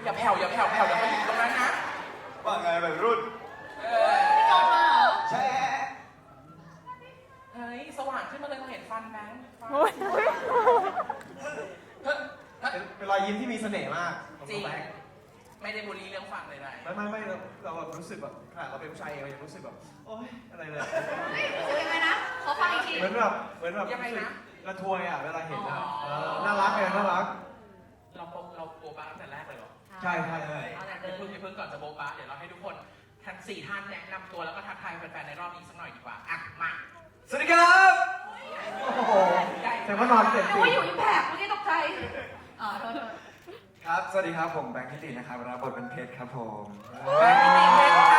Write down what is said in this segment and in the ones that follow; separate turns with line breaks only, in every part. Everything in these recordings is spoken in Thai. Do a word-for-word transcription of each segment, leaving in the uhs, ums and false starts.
อย่าแผ่วอย่าแผ่วแผ่วอย่ามาอยู่ตรงนั้นนะ
ว่าไงแบบรุ่น
เออ
พี่จอนมาเหรอ
แช่
เฮ้ยสว่างขึ้นมาเลยเราเห็นฟันแบงค์ฟัน
โอ้ย
เฮ้ยเฮ้ย
เป็นเป็นรอยยิ้มที่มีเสน่ห์มากของ
จริง
แบงค์
ไม่ได้บูลลี่เรื่องฟันเลย
ไม่ไม่ไม่เราเราแบบรู้สึกแบบขนาดเราเป็นผู้ชายเองเรายังรู้สึกแบบโอ๊ยอะไรเลย
เฮ้ยรู้สึกยังไงนะ ขอฟังอีกที
เหมือนแบบเหมือนแบบ
ยังไงนะ
ระทวยอ่ะเวลาเห็นอ่ะ
อ๋อ
เออน่ารักไงน่ารัก
เราโปเราโบบาตั้งแต่แรกเลยเหรอ
ใช่ใช่ใช่
เอาแต่
เดี๋
เดิ
ยวน เพิ่งเพิ่งก่อนจะโบบาเดี๋ยวเราให้ทุกคนทั้งสี่ท่านแนะนำตัวแล้วก็ทักทายแฟนๆในรอบนี้สักหน่อยดีกว่าอ่ะมา
สวัสดีครับโอ้โหแต่ว่านอนเสร็จ
นึกว่าอยู่อิมแพกเมื่อกี้ตกใจอ๋อโทษโทษ
ครับสวัสดีครับผมแบงค์ทิตินะครับรับบทเป็นเพชรครับผม
แบงค์ทิติเพชรค่ะ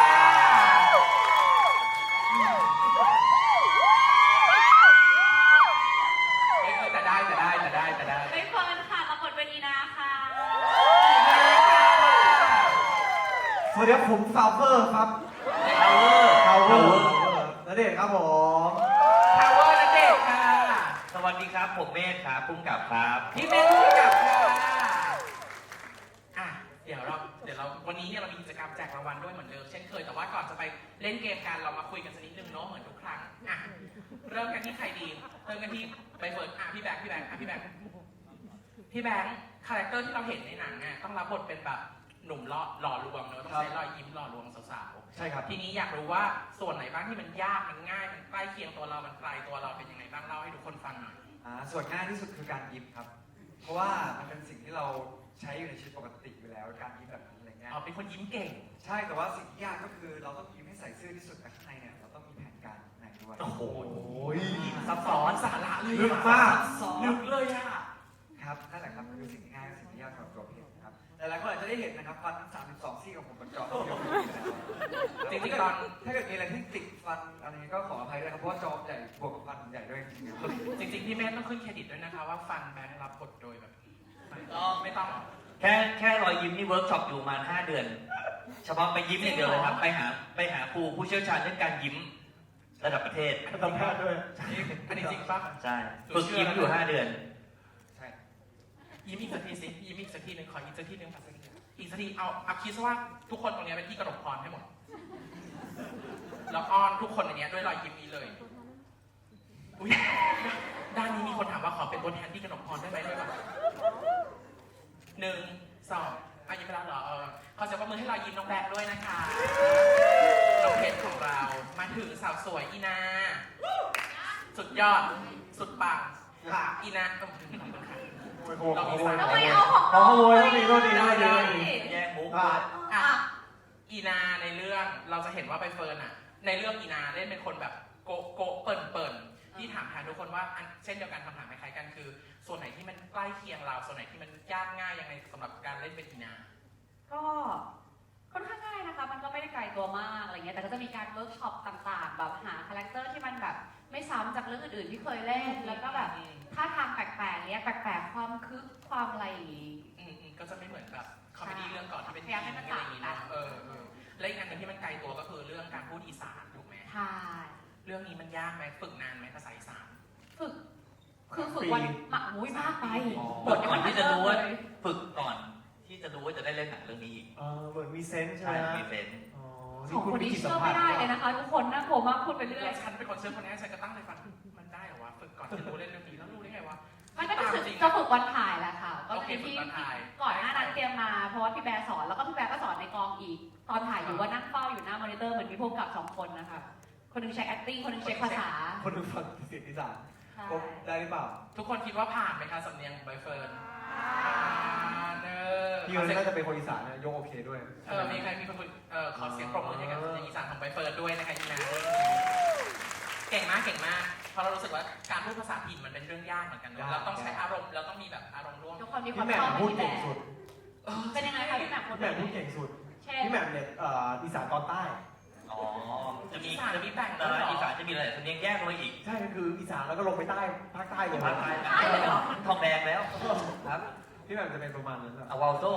เอ้ยเอ้ยแต่ได้แต่ได้แต่ได้แต่ได้
ใบเฟิร์นค่ะรับบทเป็นอีนาค่ะ
สวัสดีครับผมฟาวเวอร์ครับ
ทาวเวอร์
ฟาวเวอร์ณเดชน์ครับผม
ทาวเวอร์นันเดชน์ค่ะ
สวัสดีครับผมเมธครับพุ่งกับครับ
พี่เมย์ผู้กำกับค่ะอ่ะเดี๋ยวเราเดี๋ยวเราวันนี้เนี่ยเรามีกิจกรรมแจกรางวัลด้วยเหมือนเดิมเช่นเคยแต่ว่าก่อนจะไปเล่นเกมกันเรามาคุยกันสักนิดนึงเนาะเหมือนทุกครั้งอ่ะเริ่มกันที่ใครดีเริ่มกันที่ใบเฟิร์นอ่ะพี่แบงค์พี่แบงค์อ่ะพี่แบงค์พี่แบงค์คาแรคเตอร์ที่เราเห็นในหนังเนี่ยต้องรับบทเป็นแบบหนุ่มล่อหล่อลวงเนอะต้องใช้รอยยิ้มหล่อลวงสาวๆ
ใช่ครับ
ทีนี้อยากรู้ว่าส่วนไหนบ้างที่มันยากมันง่ายมันใกล้เคียงตัวเรามันไกลตัวเราเป็นยังไงบ้างเล่าให้ทุกคนฟังหน่อย
อ่าส่วนง่ายที่สุดคือการยิ้มครับ เพราะว่ามันเป็นสิ่งที่เราใช้อยู่ในชีวิตปกติอยู่แล้ว การยิ้มแบบนี้อะไรเงี้ย
อ๋อเป็นคนยิ้มเก่ง
ใช่ แต่ว่าสิ่งที่ยากก็คือเราต้องยิ้มให้ใส่ซื่อที่สุดแต่ข้างในเนี่ยเราต้องมีแผนการในด้วย
โอ้โห
ย
ซับซ้อนสาระเลย
ลึกมาก
ซับซ้อนลึกเลยอะ
ครับนั่นแหละครับคือสิ่งที่ง่ายและสิ่งที่ยากสำหรับตัวเพจครับแต่หลายคนอาจจะได้เห็นนะครับฟันสามสิบสองซี่ของผมบนจอภาพยนตร์
จริงๆตอน
ถ้าเกิดมีอะไรที่ติดฟันอะไรนี้ก็ขออภัยด้วยครับเพราะว่าจอใหญ่บวกกับฟันใหญ่ด้วยจริงๆ
จริงๆพี่แม่ต้องขึ้นเครดิตด้วยนะคะว่าฟันแบงค์รับบทโดยแบบไม่ต้องหรอก
แค่แค่รอยยิ้มนี่เวิร์กช็อปอยู่ประมาณห้าเดือน เฉพาะไปยิ้มอย่างเดียวเลยครับ ไปหาไปหาครูผู้เชี่ยวชาญเรื่องการยิ้มระดับประเทศ
สัมภาษณ์ด้วย
อันนี้จริงปะ
ใช่ฝึกยิ้มอยู่ห้าเดือน
ใช่
ยิ้มอีกสักทีสิยิ้มอีกสักทีหนึ่งขออีกสักทีหนึ่งขอสักทีหนึ่งอีกสักทีเอาเอาคิดซะว่าทุกคนตรงนี้เป็นที่กระดกพรให้หมดแล้วอ้อนทุกคนในนี้ด้วยรอยยิ้มนี้เลยอุ๊ยด้านนี้มีคนถามว่าขอเป็นตัวแทนที่กระดกพรได้ไหมด้วยป่ะหนึ่งสองอ่ะยิ้มไปแล้วเหรอเออขอเสียงปรบมือให้รอยยิ้มน้องแบงค์ด้วยนะคะน้องเพชรของเรามาถึงสาวสวยอีนา สุดยอดสุดปังค่ะอีนาขอบคุณค่ะ
โอ้ยโหขโมย
ทำไมเอาของ
ขโมยโทษทีโทษทีโทษทีโทษที
แย่งมุก
อ่ะ
อ่ะอีนาในเรื่องเราจะเห็นว่าใบเฟิร์นอ่ะ ในเรื่องอีนาเล่นเป็นคนแบบโกะโกะเปิ่นเปิ่นที่ถามแทนทุกคนว่าอันเช่นเดียวกันคำถามคล้ายๆกันคือ ส่วนไหนที่มันใกล้เคียงเรา ส่วนไหนที่มันยากง่ายยังไงสำหรับการเล่นเป็นอีนา
ก็ค่อนข้างง่ายนะคะ มันก็ไม่ได้ไกลตัวมากอะไรเงี้ย แต่ก็จะมีการเวิร์กช็อปต่างๆ แบบหาคาแรคเตอร์ที่มันแบบไม่ซ้ำจากเรื่องอื่นๆที่เคยเล่น แล้วก็แบบท่าทางแปลกๆเนี้ยแปลกๆความคึกความอะไรอย่างงี้
อืมอืมก็จะไม่เหมือนแบบคอมเมดี้เรื่องก่อนที่เป็น
พยายามให้มัน
อะไรอย่างงี้
ต่าง
เนาะ
กัน
เออเออและอีกอันหนึงที่มันไกลตัวก็คือเรื่องการพูดอีสานถูกไหม
ใช่
เรื่องนี้มันยากไหมฝึกนานไหมภาษาอีสาน
ฝึก คือฝึกวันหมักมุ้ยมากไป
บทก่อนที่จะรู้ว่าฝึกก่อนที่จะรู้ว่าจะได้เล่นหนังเรื่องนี้อีก
เออเหมือนมีเซนส์ใช่
ใช่
ไหม
มีเซนส์
อ๋อ
สองคนนี้เชื่อไม่ได้เลยนะคะ ทุกคนน่ากลัวมากพูดไปเรื่อย
แล้วฉันเป็นคนเชื่อคนนี้ฉันก็ตั้งใจฟังมันได้เหรอวะฝึกก่อนจะรู้เล่นเรื่องนี้แล้วรู้ได้ไงวะ
มันก็จะฝึก
จริง
จะฝึกวันถ่ายแหละค่ะ ก็
โอ
จะ
เค
มี
ฝึก
ที่
วันถ่าย
ก่อนหน้านั้นเตรียมมาเพราะว่าพี่แบร์สอนแล้วก็พี่แบร์ก็สอนในกองอีก ตอนถ่ายอยู่ว่านั่งเฝ้าอยู่หน้ามอนิเตอร์เหมือนมีพวกกับสองคนนะคะคนหนึงใช้ acting คนหนึงเช็คภาษา
คนดูฟังเสียงอีสาน
ใช่
ครบได้หรือเปล่า
ทุกคนคิดว่าผ่านไหมคะสำเนียงใบเฟิร์นผ่านเนอ
พี่คนนี้น่าจะเป็นคนอีสานนะยกโอเคด้วย
เออมีใครมีคนเออขอเสียงปรบมือให้กับสำเนียงอีสานของใบเฟิร์นด้วยนะคะอีนาเก่งมากเก่งมากเพราะเรารู้สึกว่าการพูดภาษาถิ่นมันเป็นเรื่องยากเหมือนกันเนอะเราต้องใช้อารมณ์เราต้องมีแบบอารมณ์ร่วม
ทุกคนมีค
พี่
วาม
แหม่
ช
ม
อบ
พูด
พี่แบ
เก่ง
ร์
สุด
เป็นยังไงคะพี่แหม่มพูด
พี่แหม่มพูดเก่งสุด
เช่น
พี่แหม่มเนี่ยเอ่ออีสานตอนใต้
อ๋อจะมี
อีสานมีแบ่ง
แต่
ด้วยเหรอ
อีสานจะมีอะไรสำเนียงแยกลงไปอีก
ใช่ก็คืออีสานแล้วก็ลงไปใต้ภาคใต้เลย
ภาคใต้ทองแดงแล้วครับ
พี่แหม่มจะเป็นประมาณนั้นแหละ
เอาวาลโซ่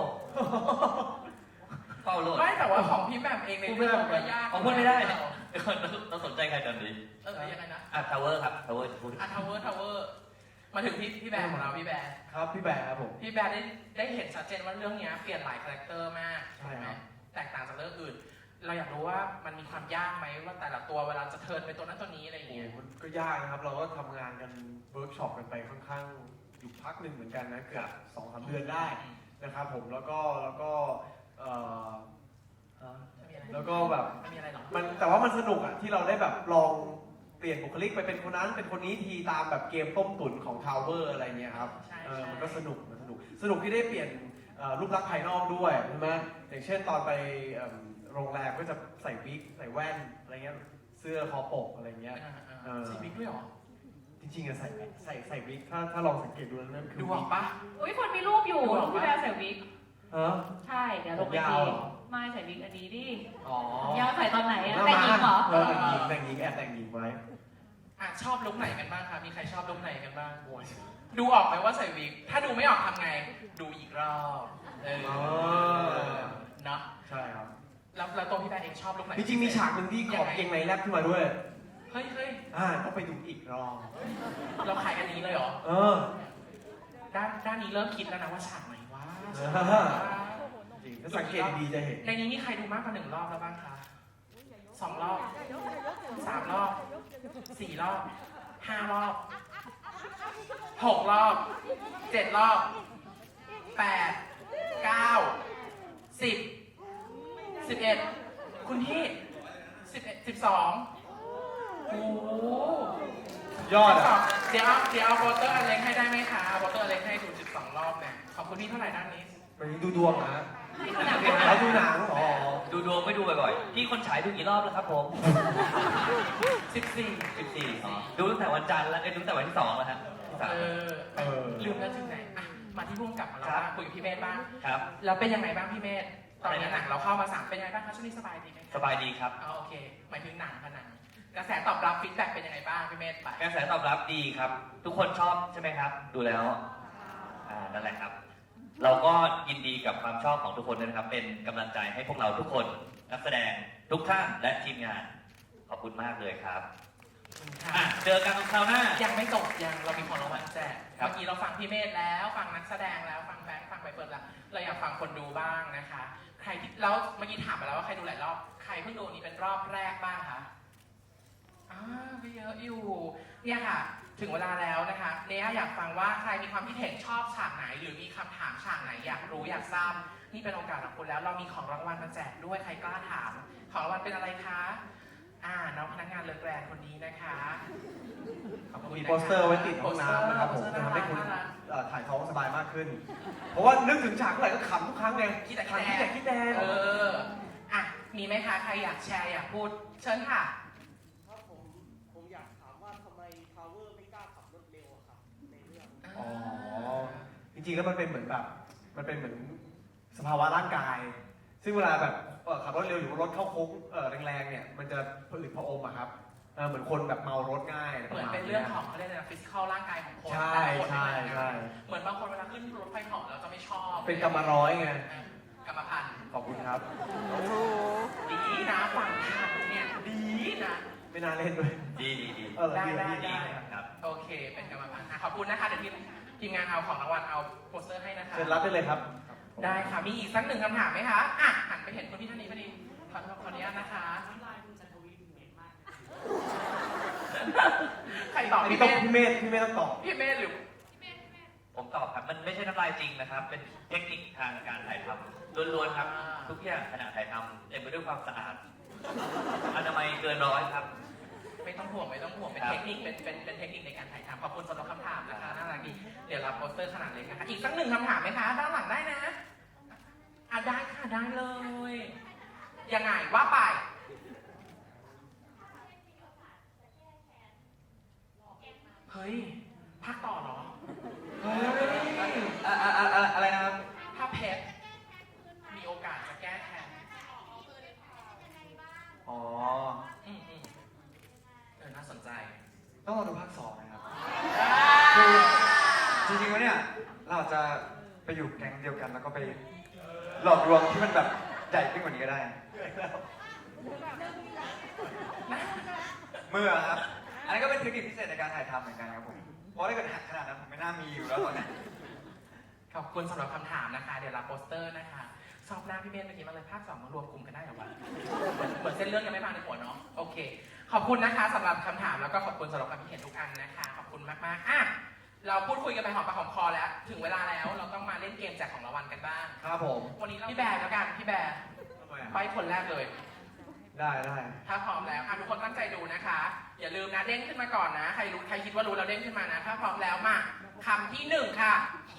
เฝ้าโลด
ไม่แต่ว่าของพี่แหม่มเองในเรื่องก็ยาก
ผมพูดไม่ได้นะเราสนใจใครตอนนี้
เออยังไงนะ
อ่ะทาวเวอร์ครับทาวเวอร์พูด
อ่ะทาวเวอร์ทาวเวอร์มาถึงพี่พี่แบร์ของเราพี่แบร์
ครับพี่แบร์ครับผม
พี่แบร์ได้ได้เห็นชัดเจนว่าเรื่องเนี้ยเปลี่ยนหลายคาแรคเตอร์มาก
ใช่ครับ
แตกต่างจากเรื่องอื่น เราอยากรู้ว่ามันมีความยากไหมว่าแต่ละตัวเวลาจะเทิร์นไปตัวนั้นตัวนี้อะไรอย่าง
โอ้
เงี้ย
มันก็ยากนะครับ เราก็ทำงานกันเวิร์กช็อปกันไปค่อนข้างอยู่พักหนึ่งเหมือนกันนะเกือบสองสามเดือนได้นะครับผมแล้วก็แล้วก็เอ่อ
ไม่มีอะไร
แล้วก็แบบ
ไม่มีอะไรหรอก
มันแต่ว่ามันสนุกอ่ะที่เราได้แบบลองเปลี่ยนบุคลิกไปเป็นคนนั้นเป็นคนนี้ทีตามแบบเกมต้มตุ๋นของทาวเวอร์อะไรเงี้ยครับ
ใช่
เออ
ใช่
มันก็สนุกมันสนุกสนุกที่ได้เปลี่ยนเอ่อรูปลักษณ์ภายนอกด้วยใช่ไหมอย่างเช่นตอนไปเอิ่มโรงแรมก็จะใส่วิกใส่แว่นอะไรเงี้ยเสื้อคอปกอะไรเงี้ย
อ่า
เออ
ๆใส่บิ๊กด้วยเหรอ
จริงๆอะใส่ใส่ใส่วิกถ้าถ้าลองสังเกตดูแล้วนั่นคือ
ดูอ
วิ
อก กปะ
อุ้ยคนมีรูปอยู่
ดูออกปะ
พี่แบร์ใส่วิก
เออ
ใช่ เดี๋ยวลงไป
ผมยาว
ที
เหรอ
ไม่ใส่วิกอันนี้ดิ
อ๋อ
ยาวใส่ตอนไหนอะ
แล้ว
แต่งหญิงเหรอ
เออแต่งหญิงแต่งหญิงแอบแต่งหญิงไว้
อ่ะชอบลุคไหนกันบ้างคะมีใครชอบลุคไหนกันบ้าง
โอ้ย
ดูออกไหมว่าใส่วิก ถ้าดูไม่ออกทำไง ดูอีกรอบ เออ
อ๋อ
เนาะ
ใช่ครับ
แล้วแล้วตัวพี่แบร์เองชอบลุคไหน
จริงๆมีฉากหนึ่งที่ขอบเกงในแลบขึ้นมาด้วย
เฮ้ยเฮ้ย
อ่าต้องไปดูอีกรอบ
เราขายอันนี้เลยเหรอ
เออ
ด้านด้านนี้เริ่มคิดแล้วนะว่าฉากไหนวะ
เออ
ฉากไหนวะ
จริงถ้าสังเกตดีๆจะเห็น
ในนี้มีใครดูมากกว่าหนึ่งรอบแล้วบ้างคะสองรอบสามรอบสี่รอบห้ารอบหกรอบเจ็ดรอบแปดเก้าสิบสิบเอ็ดคุณพี่สิบเอ็ดสิบสองโอ้โห
ยอดอ่ะ
เดี๋ยวเอาเดี๋ยวเอาโบเตอร์อเล็กให้ได้ไหมคะโบเตอร์อเล็กให้ดูสิบสองรอบเนี่ยขอบคุณพี่เท่าไหร่ด้านนี้
ไปดูดวงนะ
ให้ดูหนัง
แล้วดูหนังอ๋อ
ดูดวงไม่ดูบ่อยๆพี่คนฉายดูกี่รอบแล้วครับผม
สิบสี่
สิบสี่ดูตั้งแต่วันจันทร์แล้วเอ้ยดูตั้งแต่วันที่สองแล้วฮะสาม
เออ
เออ
ลืมแล้วถึงไหนอ่ะมาที่พุ่มกลับมาแล้ว
ครับ
บ้างคุยกับพี่เมธบ้าง
ครับ
แล้วเป็นยังไงบ้างพี่เมธตอนนี้หนังเราเข้ามาสามเป็นยังไงบ้างคะช่วงนี้สบายดีไหม
สบายดีครับ
อ๋อโอเคหมายถึงหนังค่ะหนังกระแสตอบรับฟีดแบ็กเป็นยังไงบ้างพี่เมธไป
กระแสตอบรับดีครับ ทุกคนชอบใช่ไหมครับ ดูแล้วอ่านั่นแหละครับ เราก็ยินดีกับความชอบของทุกคนด้วยนะครับ เป็นกำลังใจให้พวกเราทุกคนนักแสดงทุกท่านและทีมงานขอบคุณมากเลยครับอ่ะเจอกันคราวหน้า
ยังไม่จบยังเรามีของรางวัลแจก
ครับ
เมื่อกี้เราฟังพี่เมธแล้วฟังนักแสดงแล้วฟังแบงค์ฟังใบเฟิร์นแล้วเราอยากฟังคนดูบ้างนะคะ ใครที่แล้วเมื่อกี้ถามไปแล้วว่าใครดูหลายรอบใครเพิ่งดูนี้เป็นรอบแรกบ้างคะอ่าก็เยอะอยู่เนี่ยค่ะ ถึงเวลาแล้วนะคะเนยอยากฟังว่าใครมีความคิดเห็นชอบฉากไหน หรือมีคำถามฉากไหนอยากรู้อยากทราบนี่เป็นโอกาสของคุณแล้วเรามีของรางวัลมาแจกด้วยใครกล้าถามของรางวัลเป็นอะไรคะอ่าน้องพนักงานเลิศแกรนคนนี้นะคะขอบคุณ
มี
นะคะ
โปสเตอร์ไว้ติดห้องน้ำนะครับผม
โปสเต
จะ
อ
ทำให้คุณ
น่ารัก
เอ่อถ่ายท้องสบายมากขึ้น เพราะว่านึกถึงฉากเมื่อไหร่ก็ขำทุกครั้งไง
คิดแต่
ขำ
คิ
คิ
ด
ด
แต่
แต่คิดแต่
เอออ่ะมีไหมคะใครอยากแชร์อยากพูดเชิญค่ะ
ครับผมผมอยากถามว่าทำไมทาวเวอร์ไม่กล้าขับรถเร็วอะครับในเรื่อง
อ๋อ จริงๆแล้วมันเป็นเหมือนแบบ มันเป็นเหมือนสภาวะร่างกาย ซึ่งเวลาแบบเอ่อขับรถเร็วหรือว่ารถเข้าโค้งเอ่อแรงๆเนี่ย มันจะผลิตผะอมอะครับเออเหมือนคนแบบเมารถง่ายะ
เหมือนเป็นเรื่องของเขาเรียกอะไรนะฟิสิกอลร่างกายของคน
ใช่
แต่ละคน
ใช่
ไม่เหมือนกัน
ใช่
เหมือนบางคนเวลาขึ้นรถไฟเหาะแล้วจะไม่ชอบ
เป็นกรรมร้อยไง
กรรมพันธุ์
ขอบคุณครับ
ดีนะฝั่งทันเนี่ยดีนะ
ไม่น่าเล่นด้วย
ดีดีดี
เออ
ได้
ดี
ได้
ดี
ได้
ดี
ครับ
โอเค เป็นกรรมพันธุ์อ่ะขอบคุณนะคะเดี๋ยวทีมทีมงานเอาของรางวัลเอาโปสเตอร์ให้นะคะ
เชิญรับได้เลยครับ
ได้ค่ะ มีอีกสักหนึ่งคำถามไหมคะอ่ะหันไปเห็นคุณพี่ท่านนี้พอดีขอโทษขออนุญาตนะคะ ใครตอบ
อันนี้
พี่
ต้อง
เมธ
พี่เมธพี่เมธต้องตอบ
พี่เมธหรือ
ผมตอบครับ มันไม่ใช่น้ำลายจริงนะครับ เป็นเทคนิคทางการถ่ายทำล้วนๆครับ ทุกอย่างขณะถ่ายทำเต็มไปด้วยความสะอาดอนามัยเกินร้อยครับ
ไม่ต้องห่วงไม่ต้องห่วงเป็น
ครับ
เทคนิคเป็นเป็นเป็นเทคนิคในการถ่ายทำขอบคุณสำหรับคำถามนะคะน่ารักดีเดี๋ยวรับโปสเตอร์ขนาดเล็กนะคะอีกสักหนึ่งคำถามไหมคะด้านหลังได้นะอ่ะได้ค่ะได้เลยยังไงว่าไปเฮ้ยภาคต่อเหรอเฮ้ย
อะอะอะอะอะไรนะครับ
ถ้าเพชรมีโอกาสจะแก้แค้น
อ๋อ
อืมอืมเออน่าสนใจ
ต้องรอดูภาคสองนะครับ คือจริงๆแล้วเนี่ย เราอาจจะไปอยู่แก๊งเดียวกันแล้วก็ไปหลอกลวงที่มันแบบใหญ่ขึ้นกว่านี้ก็ได้ เมื่อครับ อันนี้นก็เป็นเทคนิคพิเศษในการถ่ายทำเหมือนกันครับผม ผราะถ้าเกิดหักขนาดนั้นผมไม่น่ามีอยู่แล้วตอนนี้
ขอบคุณสำหรับคำถามนะคะ เดี๋ยวรับโปสเตอร์นะคะชอบหน้าพี่เมธเมื่อกี้มาเลยภาคสองมารวมกลุ่มกันได้เหรอวะเหมือนเส้นเรื่องยังไม่มาในหัวเนาะโอเค ขอบคุณนะคะสำหรับคำถามแล้วก็ขอบคุณสำหรับความคิดเห็นทุกอันนะคะขอบคุณมากๆอ่ะเราพูดคุยกันไปหอมปากหอมคอแล้ว ถึงเวลาแล้วเราต้องมาเล่นเกมแจกของรางวัลกันบ้าง
ครับผม
วันนี้เราพี่แบร์แล้วกันพี่แบร์
ทำไมอะ
ไปคนแรกเลย
ได้ได้
ถ้าพร้อมแล้วอ่ะทุกคนตั้งใจดูนะคะ อย่าลืมนะเด้งขึ้นมาก่อนนะ ใครรู้ใครคิดว่ารู้แล้วเด้งขึ้นมานะ ถ้าพร้อมแล้วมาคำที่หนึ่งค่ะ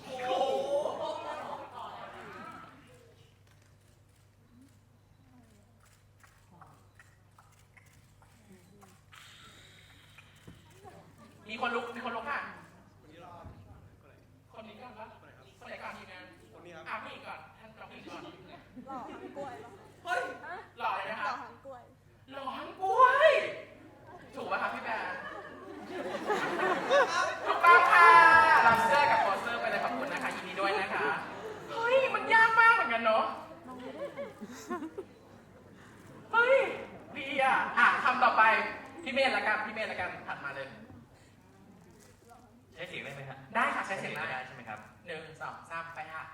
มีคนลุกมีคนลุกค่ะ คนนี้ก่อนปะคนไหนก่อนทีมงาน
คนนี้ครับ
อ่ะผู้หญิงก่อนท่านเราผู้หญิงก่อน
หล่อหางกล้วยเหรอ
เฮ้ยหล่อเลยนะ
หล่อ
คะ
หางกล้วย
หล่อทั้งกล้วยถูกไหมครับพี่แบร์ถูกต้องค่ะรับเสื้อกับโปสเตอร์ไปเลยขอบคุณนะคะยินดีด้วยนะคะเฮ้ยมันยากมากเหมือนกันเนาะเฮ้ยดีอ่ะอ่ะคำต่อไปพี่เมธละกันพี่เมธละกันถัดมาเลย
ใช้เสียงได้ไหมฮะ
ได้ค่ะใช้เสียงได้
ได้ใช่ไหมครับ
หนึ่งสองสามไปค่ะ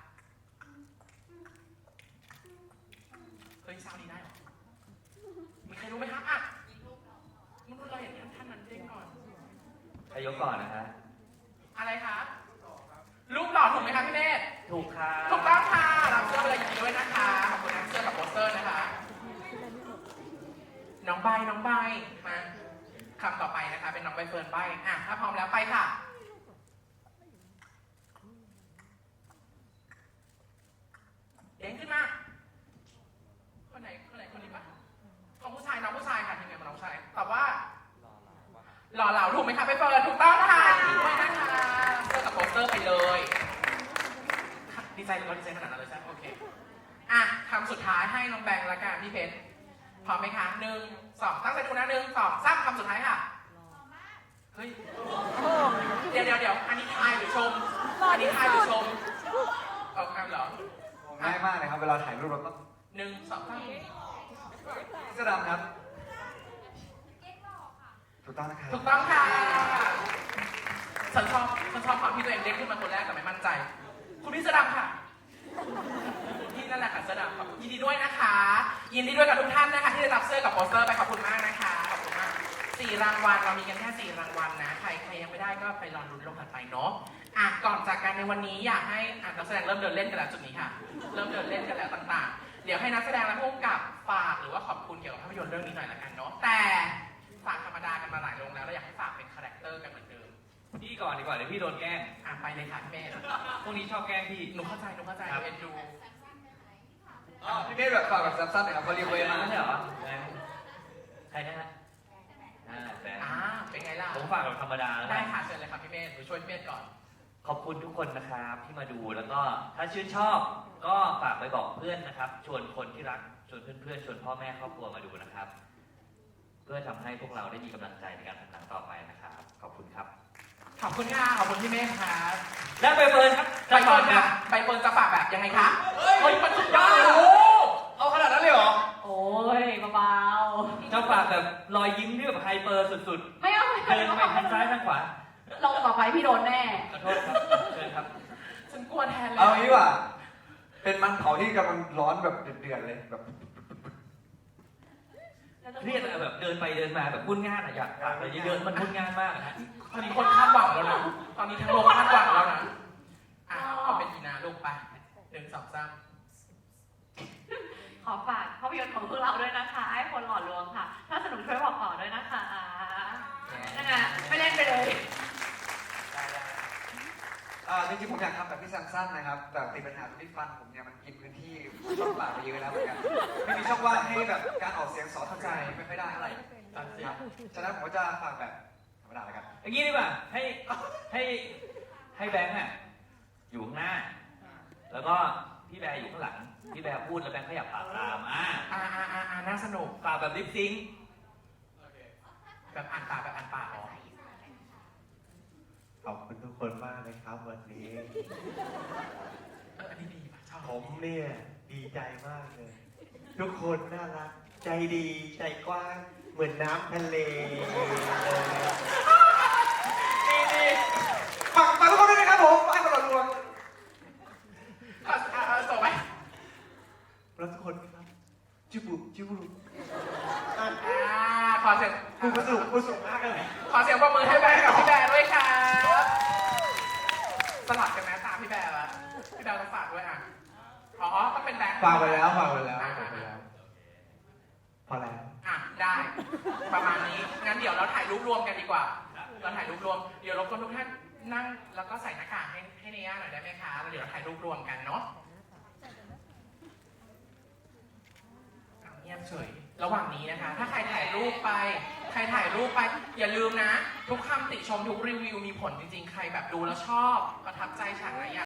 เฮ้ยซาวนี้ได้เหรอมีใครรู้ไหมครับอ่ะมันเราเห็นท่านท่านนั้นเด้งก่อน
ใครยกก่อนนะฮะ
อะไรคะรูปหล่อถูกไหมคะพี่เนตร
ถูกครับ
ถูกต้องค่ะรับเสื้อไปเลยยินดีด้วยนะคะขอบคุณนะเสื้อกับโปสเตอร์นะคะน้องใบน้องใบมาคำต่อไปนะคะเป็นน้องใบเฟิร์นใบอ่ะถ้าพร้อมแล้วไปค่ะเด้งขึ้นมาคนไหนคนไหนคนนี้ปะของผู้ชายน้องผู้ชายค่ะทีมงานมาน้องผู้ชายตอบว่าหล่อเหลาถูกไหมคะใบเฟิร์นถูกต้องค่ะยินดีด้วยนะคะเสื้อกับโปสเตอร์ไปเลยดีใจเราดีใจขนาดนั้นเลยใช่ไหมโอเคอ่ะคำสุดท้ายให้น้องแบงค์ละกันพี่เพชรพร้อมไหมคะหนึ่งสองตั้งใจดูนะหนึ่งสองสามคำสุดท้ายค่ะเฮ้ยเดี๋ยวเดี๋ยวเดี๋ยวอันนี้ทายหรือชมอันนี้ทายหรือชมเอาคำเหรอ
ง่ายมากเลยครับเวลาถ่ายรูปเราต้อง
หนึ่งสองสาม
เสื้อดำครับถูกต้องนะครับ
ถูกต้องค่ะฉันชอบฉันชอบความที่ตัวเองเด้งขึ้นมาคนแรกแต่ไม่มั่นใจ คุณพี่เสื้อดำค่ะนี่นั่นแหละค่ะเสื้อดำครับยินดีด้วยนะคะ ยินดีด้วยกับทุกท่านนะคะที่ได้รับเสื้อกับโปสเตอร์ไปขอบคุณมากนะคะขอบคุณมากสี่รางวัลเรามีกันแค่สี่รางวัลนะใครใครยังไม่ได้ก็ไปรอลุ้นลงถัดไปเนาะอ่ะก่อนจากกันในวันนี้อยากให้อ่ะนักแสดงเริ่มเดินเล่นกันแล้วจุดนี้ค่ะ เริ่มเดินเล่นกันแล้วต่างๆ เดี๋ยวให้นักแสดงและผู้กำกับฝากหรือว่าขอบคุณเกี่ยวกับภาพยนตร์เรื่องนี้หน่อยละกันเนาะแต่ฝากธรรมดากันมาหลายลงแล้วเราอยากให้ฝากเป็นคาแรคเตอร์กันเหมือนเดิม
พี่ก่อนดีกว่าเดี๋ยวพี่โดนแกล้ง
อ่ะไปเลยค่ะพี่เมธ
พวกนี้ชอบแกล้งพี่
หนูเข้าใจหนูเข้าใจ
ครับ
เอ็นดู
อ๋อพี่เมธแบบฝากแบบสั้นๆหน่อยครับเขาเรียก
เค
เวย
มา
มา
ไม่ใช่เหรอใครนะฮะอ่าแฟน
อ่าเป็นไงล่ะ
ผมฝากแบบธรรมดาแล้ว
ได้
กัน
ค่ะเชิญเลยค่ะพี่เมธหนูช่วยพี่เมธก่อน
ขอบคุณทุกคนนะครับที่มาดูแล้วก็ถ้าชื่นชอบ ก็ฝากไปบอกเพื่อนนะครับ ชวนคนที่รักชวนเพื่อนๆชวนพ่อแม่ครอบครัวมาดูนะครับ เพื่อทำให้พวกเราได้มีกำลังใจในการทำหนังต่อไปนะครับ ขอบคุณครับ
ขอบคุณค่ะขอบคุณพี่เมธครับ
และใบเฟิร์นครับ
ใบเฟิร์นค่ะใบเฟิร์นจะฝากแบบยังไงคะเฮ้ยมันสุดยอดโอ้
เอาขนาดนั้นเลยเหรอ
โอ้ยเบา
จะฝากแบบรอยยิ้มที่แบบไฮเปอร์สุด
ๆไม่เอาไม่
ๆ
เอา
เดินไปทางซ้ายทางขวา
ลงต่อไปพี่โดนแน่
ขอโทษครับเชิญครับ
ฉันกลัวแทนเลย
เอางี้ดีกว่า เป็นมันเผาที่กำลังร้อนแบบเดือดๆเลยแบบ
เครียดอะแบบเดินไปเดินมาแบบวุ่นง่านอะอยากฝากอะไรเยอะๆมันวุ่นง่านมากอะฮะ
ตอนนี้คนคาดหวังแล้วนะตอนนี้ทั้งโลกคาดหวังแล้วนะอ่ะเอาเป็นอีนาลูกไปหนึ่งสองสาม
ขอฝากภาพยนตร์ของพวกเราด้วยนะคะไอ้คนหล่อลวงค่ะ ถ้าสนุกช่วยบอกต่อด้วยนะคะนั่นไงไม่เล่นไปเลย
อ่าจริงๆผมอยากทำแบบพี่ซัมซันนะครับ แต่ติดปัญหาตรงที่ฟันผมเนี่ยมันกินพื้นที่ช่องปากไปเยอะแล้วเหมือนกันไม่มีช่องว่างให้แบบการออกเสียงสอเข้าใจไม่ค่อยได้เท่าไหร่
ตัดเสีย
ครับฉะนั้นผมก็จะฝากแบบธรรมดาแล้วกัน
อย่างนี้ดีกว่าให้ให้ให้แบงค์อะอยู่ข้างหน้า แล้วก็พี่แบร์อยู่ข้างหลังพี่แบร์พูดแล้วแบงค์ขยับปากตามอ่า
อ่าอ่าอ่าอ่าน่าสนุก
ปากแบบลิปซิงค์
แบบอ่านปากแบบอ่านปากอ๋อ
ขอบคุณทุกคนมากเลยครับวันนี้
เอออันนี้ดีป่ะชอบ
ผมเนี่ยดีใจมากเลย ทุกคนน่ารัก ใจดีใจกว้าง เหมือนน้ำทะเลเลย
ดีดี
รักทุกคนครับจิบุจิบุ
อ่าขอเสียง
กูกระสุนกูสูงมากเลย
ขอเสียงปรบมือให้แบร์กับพี่แบร์ด้วยครับสลับกันไหมตามพี่แบร์ละพี่แบร์ต้องฝากด้วยอ่ะอ๋อต้องเป็นแบงค์
ฝากไปแล้วฝากไปแล้วฝากไปแล้วพอแล้ว
อ่ะได้ ประมาณนี้งั้นเดี๋ยวเราถ่ายรูปรวมกันดีกว่า เราถ่ายรูปรวมเดี๋ยวรบกวนทุกท่านนั่งแล้วก็ใส่หน้ากากให้ให้เนย่าหน่อยได้ไหมคะแล้วเดี๋ยวเราถ่ายรูปรวมกันเนาะอ่ะเงียบเฉยระหว่างนี้นะคะ ถ้าใครถ่ายรูปไป ใครถ่ายรูปไป อย่าลืมนะ ทุกคำติชมทุกรีวิวมีผลจริงๆ ใครแบบดูแล้วชอบประทับใจฉากไหนอยาก